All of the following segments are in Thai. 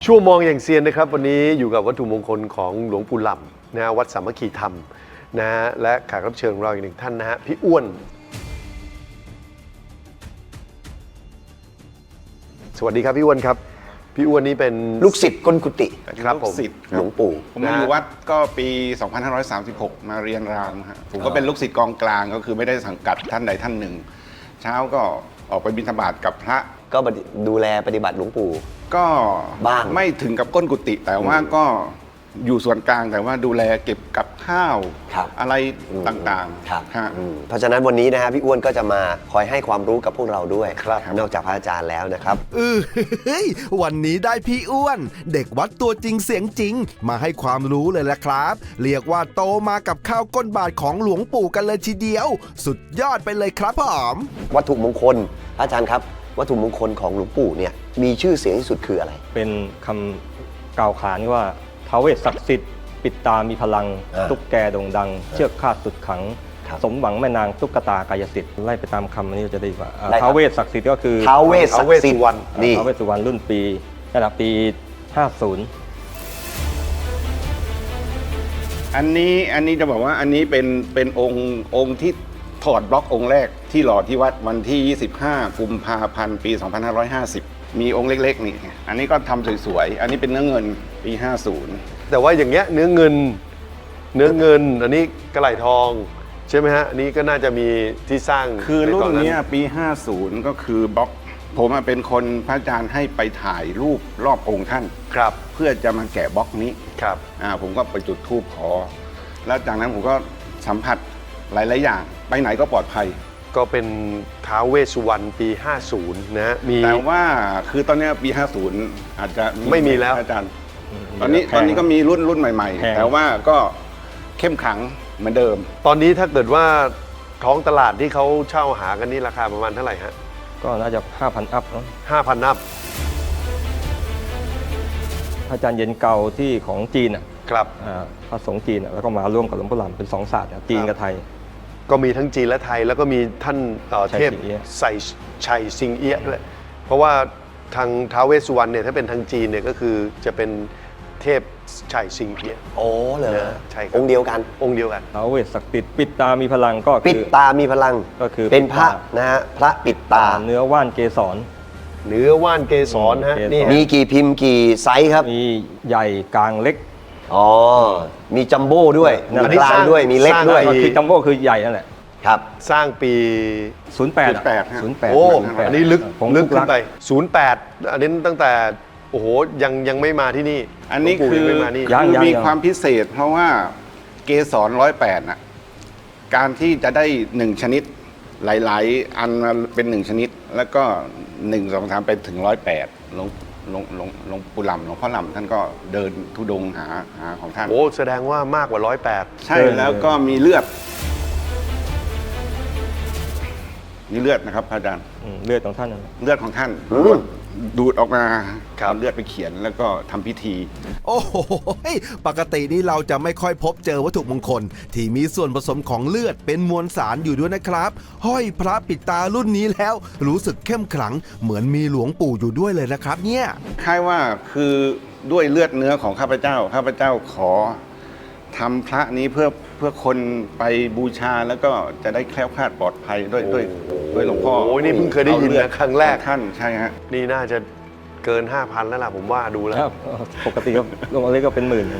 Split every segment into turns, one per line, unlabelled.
ชั่วมองอย่างเซียนนะครับวันนี้อยู่กับวัตถุมงคลของหลวงปู่หล่ำนะวัดสามัคคีธรรมนะฮะและแขกรับเชิญของเราอีกหนึ่งท่านนะฮะพี่อ้วนสวัสดีครับพี่อ้วนครับพี่อ้วนนี่เป็น
ลูกศิษย์ก้นกุฏิ
ครับผม
ลูกศิษย์
หลวงปู่
ผมมาอยู่วัดก็ปี 2536 มาเรียนรามฮะผมก็เป็นลูกศิษย์กองกลางก็คือไม่ได้สังกัดท่านใดท่านหนึ่ง เช้าก็ออกไปบิณฑบาตกับพระ
ก็ดูแลปฏิบัติหลวงปู่
ก็
บ้าง
ไม่ถึงกับก้นกุฏิแต่ว่าก็อยู่ส่วนกลางแต่ว่าดูแลเก็บกับข้าว
ครับ
อะไรต่าง
ครับ
ๆฮะ
เพราะฉะนั้นวันนี้นะฮะพี่อ้วนก็จะมาคอยให้ความรู้กับพวกเราด้วย
ครับ
นอกจากพระอาจารย์แล้วนะครับ
เฮ้ยวันนี้ได้พี่อ้วน เด็กวัดตัวจริงเสียงจริง มาให้ความรู้เลยละครับ เรียกว่าโตมากับข้าวก้นบาทของหลวงปู่กันเลยทีเดียว สุดยอดไปเลยครับผม
วัตถุมงคลพระอาจารย์ครับ วัตถุมงคลของหลวงปู่เนี่ยมีชื่อเสียงที่สุดคืออะไร
เป็นคำกล่าวขานว่าท้าวเวสศักดิ์สิทธิ์ปิดตามีพลัง ตุ๊กแกโด่งดัง เชือกคาดสุดขัง
ครับ
สมหวังแม่นางตุ๊กตากายสิทธิ์ไล่ไปตามคำนี้จะได้ว่า
ได้ครับ
ท้าวเวสศักดิ์สิทธิ์ก็คือ
ท้าวเวสศักดิ์สิทธิ์
ท้าวเวสสุวรรณ
นี่
ท้าวเวสสุวรรณรุ่นปีระดับปี 50
อันนี้จะบอกว่าอันนี้เป็นองค์ที่ถอดบล็อกองค์แรกที่หล่อที่วัดวันที่ 25 กุมภาพันธ์ปี 2550 มีองค์เล็กๆนี่อันนี้ก็ทำสวยๆอันนี้เป็นเนื้อเงินปี 50
แต่ว่าอย่างเงี้ยเนื้อเงินอันนี้กระไหล่ทองใช่ไหมฮะอันนี้ก็น่าจะมีที่สร้าง
คือรุ่น
ใต
เนี้ยปี 50 ก็คือบล็อกผมเป็นคนพระอาจารย์ให้ไปถ่ายรูปรอบองค์ท่าน
ครับ
เพื่อจะมาแกะบล็อกนี้
ครับ
ผมก็ไปจุดธูปขอ แล้วจากนั้นผมก็สัมผัสหลายๆอย่าง ไปไหนก็ปลอดภัย
ก็เป็นท้าวเวสสุวรรณปี 50 นะฮะมี
แต่ว่าคือตอนเนี้ยปี 50 อาจจะ
ไม่มีแล้ว
อาจารย์ ตอนนี้ก็มีรุ่นใหม่
แพง
ๆ แต่ว่าก็เข้มขังเหมือนเดิม
ตอนนี้ถ้าเกิดว่าท้องตลาดที่เขาเช่าหากันนี่ราคาประมาณเท่าไหร่ฮะ
ก็น่าจะ 5,000 อัพเนอะ
5,000 นับ
พระอาจารย์เย็นเก่าที่ของจีนอ่ะ
ครับ
พระสงฆ์จีนอะแล้วก็มาร่วมกับหลวงปู่หล่ำเป็น2ศาสตร์อะจีนกับไทย
ก็มีทั้งจีนและไทยแล้วก็มีท่าน
ชัย
เทพ
สิงเอี้ย
ใส่ชัยสิงเอี้ยด้วยเพราะว่าทางท้าวเวสสุวรรณเนี่ยถ้าเป็นทางจีนเนี่ยก็คือจะเป็นเทพชัยสิงเอี้ย
โอ้เหรอ
ใช่ครับ
องค์เดียวกัน
องค์เดียวกัน
ท้าวเวสศักดิ์สิทธิ์ปิดตามีพลังก็
ปิด
คือ
ตามีพลัง
ก็คือ
เป็นพระ
ปิดตา
นะฮะพระปิดตา
เนื้อว่านเกสร
เนื้อว่านเกสรฮะ
เกสร
นี่ฮะ
มีกี่พิมพ์กี่ไซส์ครับ
มีใหญ่กลางเล็ก
อ๋อ มีจัมโบ้ด้วย
นั่น
มีกลางด้วย มีเล็กด้วย
สร้าง
คือจัมโบ้คือใหญ่นั่นแหละ
ครับ
สร้างปี
08
08ฮะ
08
โอ้
08
อันนี้ลึก
ของ
ลึก
ทุ
ขึ้
รั
นไป 08 อันนี้ตั้งแต่โอ้โหยังไม่มาที่นี่
อันนี้
หลวงปู่
คือ
ยังไม่มานี่
ยัง
มีความพิเศษ เพราะว่าเกสร108น่ะการที่จะได้1ชนิดหลายๆ อันมาเป็น1ชนิด แล้วก็1 2 3ไปถึง108หลวงปู่หล่ำหลวงพ่อหล่ำท่านก็เดินธุดงค์หาของท่าน
โอ้แสดงว่ามากกว่า 108
ใช่แล้วก็มีเลือดนะครับพระอาจารย์
เลือดของท่านนั่นแหละ
เลือดของท่านดูดออกมาเอาเลือดไปเขียนแล้วก็ทำพิธี
โอ้โหปกตินี่เราจะไม่ค่อยพบเจอวัตถุมงคล ที่มีส่วนผสมของเลือดเป็นมวลสารอยู่ด้วยนะครับ ห้อยพระปิดตารุ่นนี้แล้ว รู้สึกเข้มขลังเหมือนมีหลวงปู่อยู่ด้วยเลยนะครับเนี่ย
คล้ายว่าคือด้วยเลือดเนื้อของข้าพเจ้าขอทำพระนี้เพื่อคนไปบูชาแล้วก็จะได้แคล้วคลาดปลอดภัยด้วยหลวงพ่อ
โอ้ยนี่เพิ่งเคยได้ยิน
อาลือ
นะครั้งแรก
ของท่านใช่ฮะ
นี่น่าจะเกิน 5,000 แล้วล่ะผมว่าดูแล้ว
ครับปกติก็ลงเล็กก็เป็นหมื่น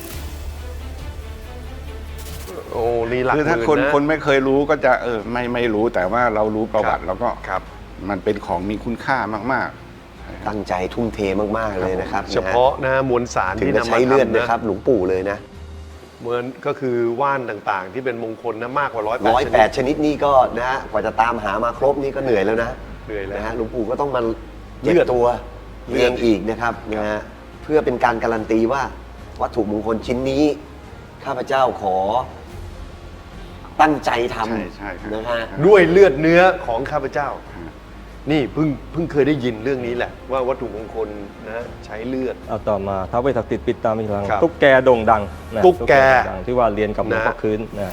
โอ้นี่หลัก
คือถ้า
หมื่
คน
นะ
คนไม่เคยรู้ก็จะไม่รู้แต่ว่าเรารู้ประวัติแล้วก็
ครับ
มันเป็นของมีคุณค่ามาก
ตั้งใจทุ่มเทมาก ๆ เลยนะครับ
เฉพาะนะมวลสาร
ถึง
ที่
จะ
นำ
ใช้
มา
เลือด
ทำ
นะครับ หลวงปู่เลยนะ
เหมือนก็คือว่านต่างๆ ที่เป็นมงคลนะมากกว่า
108 ชนิดนี่ก็นะฮะกว่าจะตามหามาครบนี่ก็เหนื่อยแล้วนะ
เหนื่อยแล้ว
นะฮะหลวงปู่ก็ต้องมา
เลื
เลื
อ
อ
ด
ดตัวเรียงอีกนะครับนะฮะเพื่อเป็นการการันตีว่าวัตถุมงคลชิ้นนี้ ข้าพเจ้าขอตั้งใจท
ใช่ครับ
ำนะฮะ
ด้วยเลือดเนื้อของข้าพเจ้า นี่เพิ่งเคยได้ยินเรื่องนี้แหละ ว่าวัตถุมงคลนะใช้เลือด
เอาต่อมาท้าวเวสศักดิ์สิทธิ์ปิดตามีพลัง
ครับ
ตุ๊กแกโด่งดังนะ
ตุ๊กแก
โด่งดังที่ว่าเรียนกับหลวงพ่อ
นะ
คืนนะ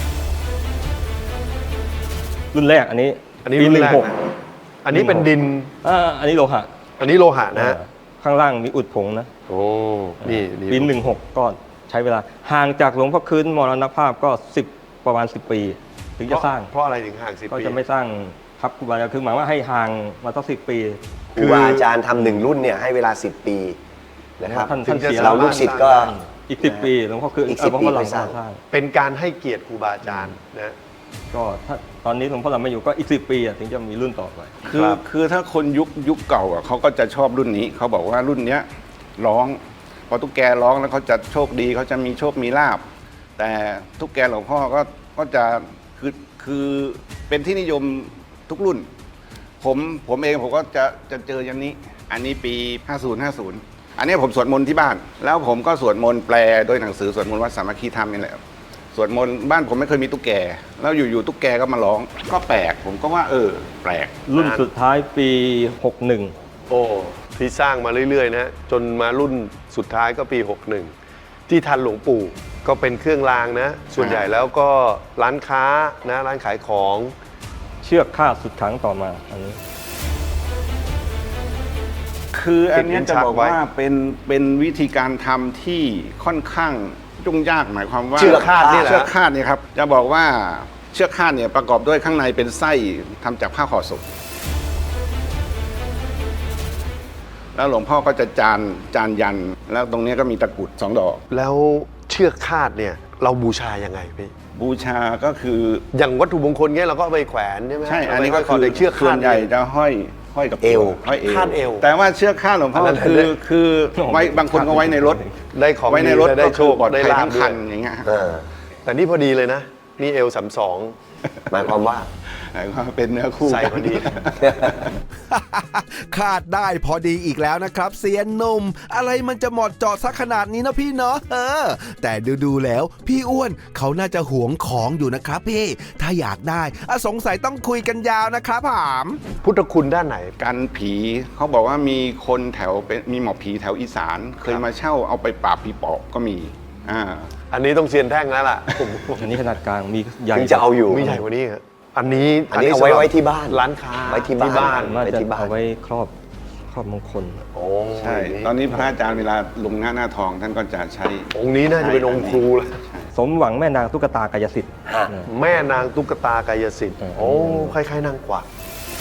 รุ่นแรกอันนี้
อันนี้
ปี
รุ่นแรก
16
นะอันนี้เป็นดิน
อันนี้โลหะ
อันนี้โลหะนะฮะ
ข้างล่างมีอุดผงนะ
โอ้นี่
ปี16ก็ใช้เวลาห่างจากหลวงพ่อคืนมรณภาพก็ประมาณ 10 ปี ถึงจะสร้าง
เพราะอะไรถึงห่าง10
ก็
ปี
จะไม่สร้างครับครูบาอาจารย์คือหมายว่าให้ห่างมาตั้ง10 ปี
ครูบาอาจารย์ทำหนึ่งรุ่นเนี่ยให้เวลา 10 ปีนะครับ
ท่าน
ถึงจะ
เสีย
เราลูกศิษย์ก็
อีก 10 ปีหลวงพ่อคืน
อีก10
หลวงพ่อหลัง
ปีไปสร้าง
สร้าง
เป็นการให้เกียรติครูบาอาจารย์นะ
ก็ถ้าตอนนี้หลวงพ่อหลังไม่อยู่ก็อีก 10 ปีถึงจะมีรุ่นต่อไป
คือถ้าคนยุคเก่าเขาก็จะชอบรุ่นนี้เขาบอกว่ารุ่นเนี้ยร้องพอตุ๊กแกร้องแล้วเขาจะโชคดีเขาจะมีโชคมีลาบแต่ตุ๊กแกหลวงพ่อก็จะคือเป็นที่นิยมทุกรุ่น ผมเองผมก็จะเจอยันนี้อันนี้ปี 50 อันนี้ผมสวดมนต์ที่บ้าน แล้วผมก็สวดมนต์แปลโดยหนังสือสวดมนต์วัดสามัคคีธรรมนี่แหละสวดมนต์บ้านผมไม่เคยมีตุ๊กแกแล้วอยู่ๆตุ๊กแกก็มาร้องก็แปลกผมก็ว่าแปลก
รุ่นสุดท้ายปี 61
โอ้ที่สร้างมาเรื่อยๆนะจนมารุ่นสุดท้ายก็ปี 61 ที่ทันหลวงปู่ก็เป็นเครื่องรางนะ ส่วนใหญ่แล้วก็ร้านค้านะร้านขายของ
เชือกคาดสุดขังต่อมาอันนี้
คืออันเนี้ยจะบอกว่าเป็นวิธีการทำที่ค่อนข้างยุ่งยากหมายความว่า
เชือกคาดนี่แหละ
เชือกคาดเนี่ยครับจะบอกว่าเชือกคาดเนี่ยประกอบด้วยข้างในเป็นไส้ทำจากผ้าห่อศพแล้วหลวงพ่อก็จะจานยัน แล้วตรงเนี้ยก็มีตะกรุด2 ดอก
แล้วเชือกคาดเนี่ยเราบูชายังไงพี่
บูชาก็คือ
อย่างวัตถุมงคลเงี้ยเราก็เอาไปแขวนใช่ไหม
ใช่อันนี้
เา
ก็
ไป
คือ
แต่เชือก
ส่ว
คาด
นใหญ่จะห้อยกับ
เอว
ห้อยเอว
คาดเอว
แต่ว่าเชือกคาดหลวงพ่อ
อันนั้น
คือไว้บางคนก็ไว้ในรถ
ได้ของ
ไว้ในรถ
ดีได้
ก็
โช
คือ
ค
ปลอด
ได้
ภัย
ลาบ
ทั้ง
ด้
คั
วย
นอย่างเงี้ย
แต่นี่พอดีเลยนะ นี่เอล32
หมายความว่า
เป็นเนื้อคู่
ใส่พอดี
คาดได้พอดีอีกแล้วนะครับเซียนหนุ่มอะไรมันจะเหมาะเจาะสักขนาดนี้นะพี่เนาะแต่ดูแล้วพี่อ้วนเขาน่าจะหวงของอยู่นะครับพี่ถ้าอยากได้สงสัยต้องคุยกันยาวนะครับผาม
พุทธคุณด้านไหน
กันผีเขาบอกว่ามีคนแถวมีหมอผีแถวอีสาน เคยมาเช่าเอาไปปราบผีปอบก็มี
อันนี้ต้องเซียนแท่งแล้วล่ะ
อันนี้ขนาดกลางมีใหญ่
ถึงจะเอาอยู่
มีใหญ่กว่านี้ครับอันนี้
อันนี้เอาไว้ที่บ้าน
ร้านค้า
ไว้ที่บ้าน
น่า
ไป
จะ
ที่บ้าน
เอาไว้ครอบมงคล
โอ้
ใช่ตอนนี้พระอาจารย์เวลาลงหน้าทองท่านก็จะใช้
องค์นี้น่าจะเป็นองค์ครูแล้ว
สมหวังแม่นางตุ๊กตากายสิทธิ์
ฮะ
นะ
แม่นางตุ๊กตากายสิทธิ์
โอ้
โอ้คล้ายๆนางกวัก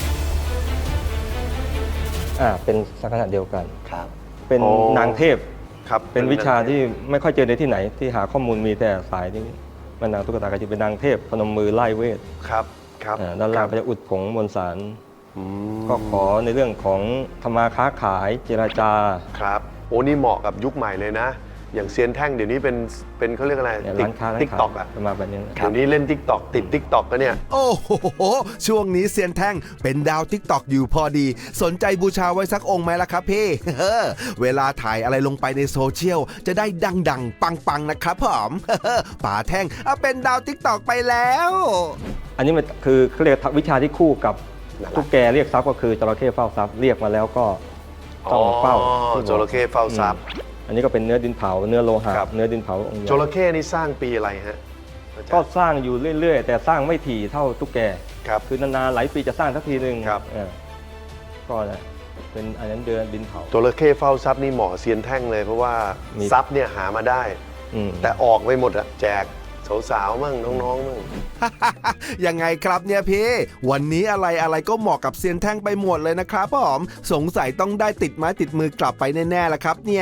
เป็นลักษณะเดียวกัน
ครับ
เป็นนางเทพ
ครับ
เป็นวิชาที่ไม่ค่อยเจอในที่ไหน ที่หาข้อมูลมีแต่สายที่แม่นางตุ๊กตากายสิทธิ์เป็นนางเทพพนมมือไล่เวท
ครับครับ
ด้านล่างก็จะอุดผงมวลสาร
อืม
ก็ขอในเรื่องของธรรมาค้าขายเจรจา
ครับโอ้นี่เหมาะกับยุคใหม่เลยนะ อย่างเซียนแท่งเดี๋ยวนี้เป็นเขาเรียกอะไร
เนี่ยร้านค้า
ติ๊กต็อกอะ
ประมาณแบบนี้นะ
เดี๋ยวนี้เล่นติ๊กต็อกติดติ๊กต็อกกันเนี่ย
โอ้โห ช่วงนี้เซียนแท่งเป็นดาวทิกตอกอยู่พอดี สนใจบูชาไว้สักองค์ไหมล่ะครับพี่ เวลาถ่ายอะไรลงไปในโซเชียลจะได้ดังๆ ปังๆ นะครับผม ป๋าแท่งเป็นดาวทิกตอกไปแล้ว
อันนี้มันคือเขาเรียกวิชาที่คู่กับตุ๊กแกเรียกทรัพย์ก็คือจระเข้เฝ้าทรัพย์เรียกมาแล้วก็ต้องเฝ้า
จระเข้เฝ้าทรัพย์
อันนี้ก็เป็นเนื้อดินเผาเนื้อโลหะ
ครับ
เนื้อดินเผาองค์ใหญ่
จระเข้นี่สร้างปีอะไรฮะอาจารย์
ก็สร้างอยู่เรื่อยๆ แต่สร้างไม่ถี่เท่าตุ๊กแก
ครับ
คือนานๆหลายปีจะสร้างสักทีหนึ่ง
ครับ
ก็นะเป็นอันนั้นเดือนดินเผา
จระเข้เฝ้าทรัพย์นี่เหมาะเซียนแท่งเลยเพราะว่า
มี
ทรัพย์เนี่ยหามาได้
อืม
แต่ออกไปหมดอะแจกสาวๆมั่งน้องๆมั่ง
ยังไงครับเนี่ยพี่ วันนี้อะไรก็เหมาะกับเซียนแท่งไปหมดเลยนะครับผมสงสัยต้องได้ติดไม้ติดมือกลับไปแน่ๆละครับเนี่ย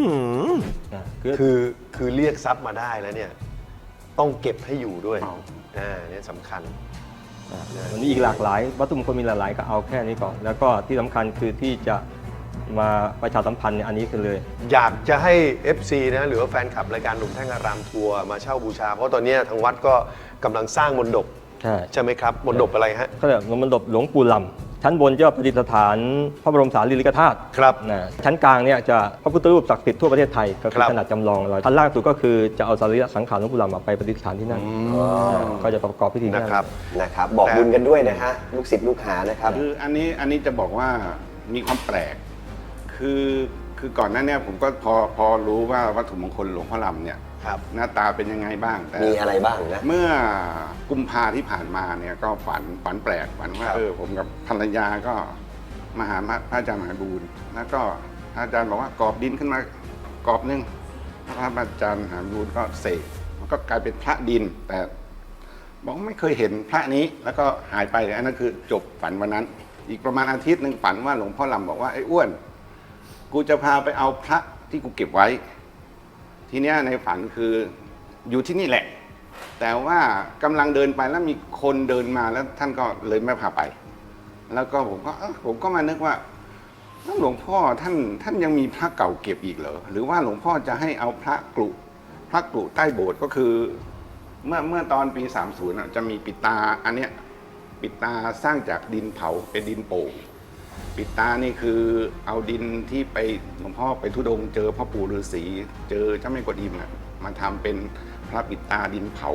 คือเรียกทรัพย์มาได้แล้วเนี่ยต้องเก็บให้อยู่ด้วยเนี่ยสำคัญ
วันนี้อีกหลากหลายวัตถุมงคลมีหลากหลายก็เอาแค่นี้ก่อน แล้วก็ที่สำคัญคือที่จะมาประชาสัมพันธ์เนี่ยอันนี้คือเลย
อยากจะให้ FC นะหรือว่าแฟนคลับรายการหนุ่มแท่งอารามทัวร์มาเช่าบูชา เพราะตอนนี้ทางวัดก็กำลังสร้างมณฑป ใช่ไหมครับมณฑปอะไรฮะ
เขาเรียกมณฑปหลวงปู่ลำชั้นบนจะประดิษฐานพระบรมสารีริกธาตุ
ครับ
นะชั้นกลางเนี่ยจะพระพุทธรูปศักดิ์สิทธิ์ทั่วประเทศไทยก็คือ
ครับ
ขนาดจำลองเราชั้นล่างสุดก็คือจะเอาสรีระสังขารหลวงปู่ลำไปประดิษฐานที่นั่นก็จะประกอบพิธีที่
นะ
นั่น
ครับ
นะครับ บอกบุญกันด้วยนะฮะ ลูกศิษย์ลูกหานะครับ
คืออันนี้จะบอกว่ามีความแปลก คือก่อนหน้าเนี้ผมก็พอรู้ว่าวัตถุมงคลหลวงพ่อลำเนี่ย
ครับ
หน้าตาเป็นยังไงบ้างแต่
มีอะไรบ้างนะ
เมื่อกุมภาที่ผ่านมาเนี่ยก็ฝันแปลกฝันว่า
ครับ
ผมกับภรรยาก็มาหาพระอาจารย์มหาบูรณ์แล้วก็อาจารย์บอกว่ากรอบดินขึ้นมากรอบหนึงพระอาจารย์หามยูนก็เสกมันก็กลายเป็นพระดิน แต่บอกไม่เคยเห็นพระนี้แล้วก็หายไปอันนั้นคือจบฝันวันนั้น อีกประมาณอาทิตย์หนึ่งฝันว่าหลวงพ่อลำบอกว่าไอ้อ้วนกูจะพาไปเอาพระที่กูเก็บไว้ ทีเนี้ยในฝันคืออยู่ที่นี่แหละ แต่ว่ากำลังเดินไปแล้วมีคนเดินมาแล้วท่านก็เลยไม่พาไป แล้วก็ผมก็มานึกว่าหลวงพ่อท่านยังมีพระเก่าเก็บอีกเหรอหรือว่าหลวงพ่อจะให้เอาพระกรุใต้โบสถ์ก็คือเมื่อตอนปี 30จะมีปิดตาอันเนี้ยปิดตาสร้างจากดินเผาเป็นดินโป่งปิดตานี่คือเอาดินที่ไปหลวงพ่อไปธุดงค์เจอพ่อปู่ฤาษีเจอเจ้าแม่กวนอิมมาทำเป็นพระปิดตาดินเผา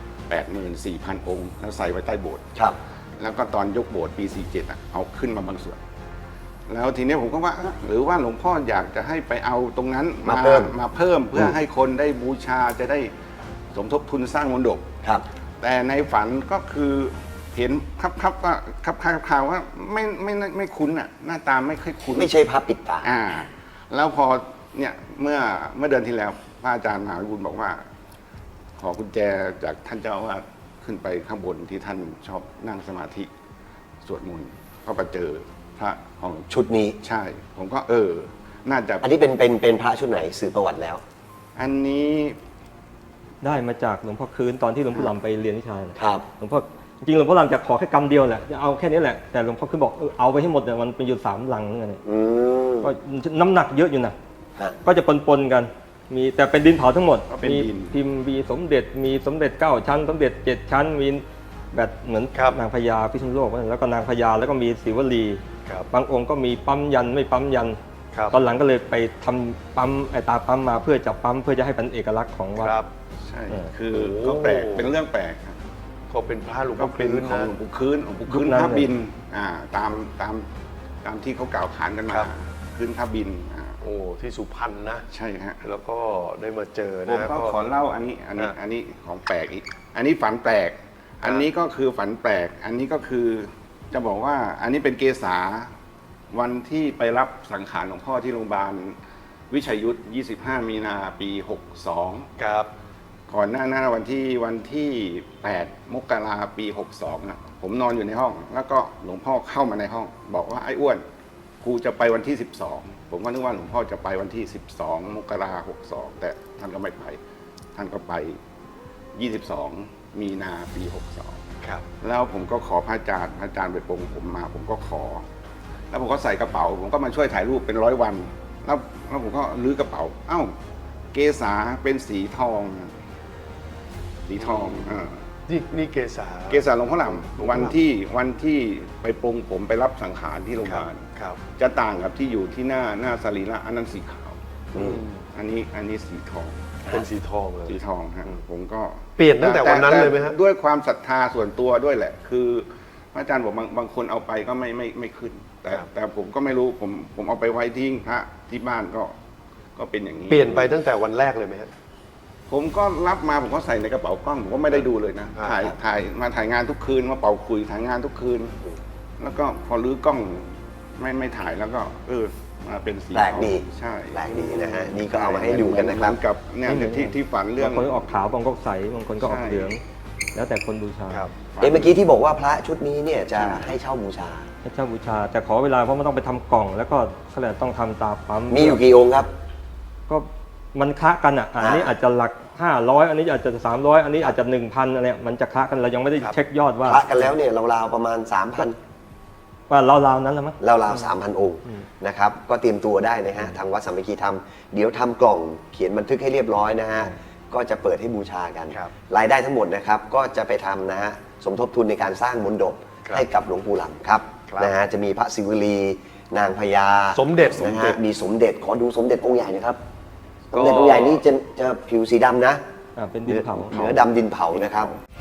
84,000 องค์แล้วใส่ไว้ใต้โบสถ์
ครับ
แล้วก็ตอนยกโบสถ์ปี 47เอาขึ้นมาบางส่วน แล้วทีนี้ผมก็ว่าหรือว่าหลวงพ่ออยากจะให้ไปเอาตรงนั้นมาเพิ่มเพื่อให้คนได้บูชาจะได้สมทบทุนสร้างมณฑป
ครับ
แต่ในฝันก็คือเห็นครับว่าข่าวว่าไม่คุ้นอ่ะหน้าตาไม่ค่อยคุ้น
ไม่ใช่พระปิดตา
แล้วพอเนี่ยเมื่อเดือนที่แล้วพระอาจารย์มหาวิบูลย์บอกว่า ขอกุญแจจากท่านเจ้าอาวาสขึ้นไปข้างบนที่ท่านชอบนั่งสมาธิสวดมนต์ก็ไปเจอพระของ
ชุดนี้
ใช่ ผมก็น่าจะ
อันนี้เป็นพระชุดไหนสื่อประวัติแล้ว
อันนี้
ได้มาจากหลวงพ่อคืนตอนที่หลวงพ่อลำไปเรียนวิชาน่ะ
ครับ
หลวงพ่อจริงๆหลวงพ่อลำจะขอแค่กำเดียวแหละจะเอาแค่นี้แหละแต่หลวงพ่อคืนบอกเอาไปให้หมดเนี่ยมันเป็นอยู่3 ลังนั่นเอง
อืม
ก็น้ำหนักเยอะอยู่นะ
ฮะ
ก็จะปนๆกันมีแต่เป็นดินเผาทั้งหมด
ก็เป็น
มี
ดิน
พิมพ์มีสมเด็จมีสมเด็จ9 ชั้น สมเด็จ7 ชั้นมีแบบเหมือน
ครับ
นางพญาพิษณุโลกแล้วก็นางพญาแล้วก็มีศิวลี
ครับ
บางองค์ก็มีปั๊มยันไม่ปั๊มยัน
ครับ
ตอนหลังก็เลยไปทำปั๊มไอตาปั๊มมาเพื่อจะปั๊มเพื่อจะให้เป็นเอกลักษณ์ของวัด
ครับ
ใช่
เออ
คือ
โอ้
ก็แปลกเป็นเรื่องแปลกครับ
ก็เป็นพระหลวง
ก็
พ่อ
เป็น
พื้น
ของ
นะ
หลวงปู่คืนหลวงปู่คืน
ยุคนั้น
ท่าบิน
เลย
ตามที่เขากล่าวขานกันมา
ครับ
คืนท่าบิน
โอ้ที่สุพรรณนะ
ใช่ฮะ
แล้วก็ได้มาเจอ
ผม
นะ
ก็ขอเล่าอันนี้ของแปลกอีก อันนี้ฝันแปลก อันนี้ก็คือฝันแปลก อันนี้ก็คือจะบอกว่าอันนี้เป็นเกษาวันที่ไปรับสังขารหลวงพ่อที่โรงพยาบาลวิชัยยุทธ 25 มีนาปี 62
ครับ
ก่อนหน้าวันที่ 8 มกราปี 62นะผมนอนอยู่ในห้อง แล้วก็หลวงพ่อเข้ามาในห้อง บอกว่าไอ้อ้วนกูจะไปวันที่ 12 ผมก็นึกว่าหลวงพ่อจะไปวันที่ 12 มกรา62 แต่ท่านก็ไม่ไป ท่านก็ไป 22 มีนาปี 62
ครับ
แล้วผมก็ขอพระอาจารย์ไปปรงผมมา ผมก็ขอ แล้วผมก็ใส่กระเป๋า ผมก็มาช่วยถ่ายรูปเป็น100 วัน แล้วผมก็ลื้อกระเป๋า เอ้า เกษาเป็นสีทองนะสีทอง
นี่เกษา
เกษาหลวงพ่อหลำวันที่ไปปรงผมไปรับสังขารที่โรงพยาบาล
ครับ
จะต่างกับที่อยู่ที่หน้าสรีระอันนั้นสีขาว
อืม
อันนี้สีทอง
เป็นสีทองเลย
สีทองฮะผมก็
เปลี่ยนตั้งแต่วันนั้นเลยไหมฮะ
ด้วยความศรัทธาส่วนตัวด้วยแหละ คือพระอาจารย์บอกบางคนเอาไปก็ไม่ขึ้น แต่ผมก็ไม่รู้ผมเอาไปไว้ที่พระที่บ้านก็เป็นอย่างนี้
เปลี่ยนไปตั้งแต่วันแรกเลยไหมฮะ
ผมก็รับมาผมก็ใส่ในกระเป๋ากล้องผมก็ไม่ได้ดูเลยนะ
อ่า
ถ่ายงานทุกคืนมาเป่าคุยถ่ายงานทุกคืน แล้วก็พอรื้อกล้องไม่ถ่ายแล้วก็มาเป็นสี
แปลกดี
ใช่
แปลกดีนะฮะ นี่ก็เอามาให้ดูกันนะครับ
เหมือกับเนี่ยที่ฝันเรื่อง
บางคนก็ออกขาวบางคนก็ใสบางคนก็ออก
ใช่
เหลือง แล้วแต่คนบูชา
ครับ
เมื่อกี้ที่บอกว่าพระชุดนี้เนี่ยจะให้เช่าบูชา
พระเจ้าบูชา แต่ขอเวลาเพราะมันต้องไปทำกล่อง แล้วก็เขาเรียกต้องทำตาปั๊ม
มีอยู่กี่องค์ครับ
ก็มันคละกันอ่ะอันนี้อาจจะหลัก 500 อันนี้อาจจะ 300 อันนี้อาจจะ 1,000 อะไรมันจะคละกันเรายังไม่ได้เช็คยอดว่า
พระกันแล้วเนี่ยราวๆประมาณ 3,000
ว่าราวๆนั้นแหละมั้ง
ราวๆ 3,000 องค์นะครับ ก็เตรียมตัวได้นะฮะ ทางวัดสามัคคีธรรม เดี๋ยวทำกล่องเขียนบันทึกให้เรียบร้อยนะฮะ ก็จะเปิดให้บูชากัน
ครับ
รายได้ทั้งหมดนะครับ ก็จะไปทำนะฮะ สมทบทุนในการสร้างมณฑป
ครับ
ให้กับหลวงปู่หลำครับ
ครับ
นะฮะ จะมีพระศิวลี นางพญา
สมเด็จ
นะฮะ มีสมเด็จ ขอดูสมเด็จองค์ใหญ่นะครับ สมเด็จองค์ใหญ่นี่จะผิวสีดำนะ
เป็นดินเผา
เนื้อดำดินเผานะครับ